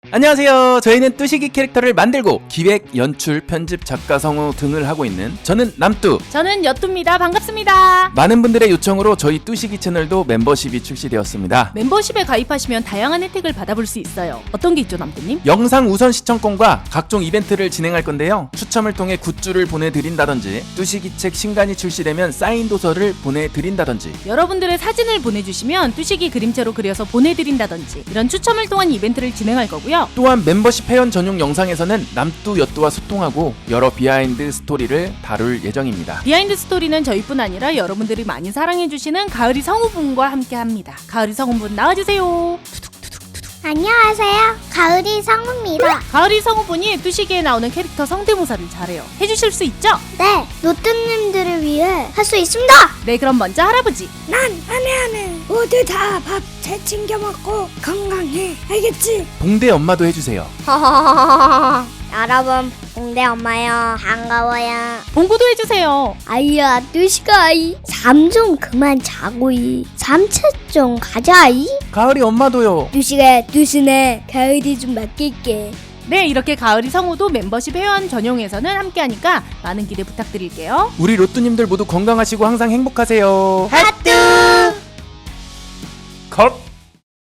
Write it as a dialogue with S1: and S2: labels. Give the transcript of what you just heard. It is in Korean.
S1: 안녕하세요. 저희는 뚜시기 캐릭터를 만들고 기획, 연출, 편집, 작가, 성우 등을 하고 있는 저는 남뚜,
S2: 저는 여뚜입니다. 반갑습니다.
S1: 많은 분들의 요청으로 저희 뚜시기 채널도 멤버십이 출시되었습니다.
S2: 멤버십에 가입하시면 다양한 혜택을 받아볼 수 있어요. 어떤 게 있죠, 남뚜님?
S1: 영상 우선 시청권과 각종 이벤트를 진행할 건데요. 추첨을 통해 굿즈를 보내드린다든지 뚜시기 책 신간이 출시되면 사인 도서를 보내드린다든지
S2: 여러분들의 사진을 보내주시면 뚜시기 그림체로 그려서 보내드린다든지 이런 추첨을 통한 이벤트를 진행할 거고요.
S1: 또한 멤버십 회원 전용 영상에서는 남뚜, 여뚜와 소통하고 여러 비하인드 스토리를 다룰 예정입니다.
S2: 비하인드 스토리는 저희뿐 아니라 여러분들이 많이 사랑해주시는 가을이 성우분과 함께합니다. 가을이 성우분 나와주세요.
S3: 안녕하세요. 가을이 성우입니다.
S2: 가을이 성우분이 뚜시기에 나오는 캐릭터 성대모사를 잘해요. 해주실 수 있죠?
S3: 네, 노뚜님들을 위해 할 수 있습니다.
S2: 네, 그럼 먼저 할아버지.
S4: 난 안해 모두 다 밥 잘 챙겨 먹고 건강해 알겠지?
S1: 봉대 엄마도 해주세요.
S3: 여러분, 봉대 엄마요. 반가워요.
S2: 봉구도 해주세요.
S3: 아이야, 뚜시가이. 잠 좀 그만 자고이. 잠채 좀 가자이.
S1: 가을이 엄마도요.
S4: 뚜시가 뚜시네 가을이 좀 맡길게.
S2: 네, 이렇게 가을이 성우도 멤버십 회원 전용에서는 함께하니까 많은 기대 부탁드릴게요.
S1: 우리 로뚜님들 모두 건강하시고 항상 행복하세요.
S3: 하뚜.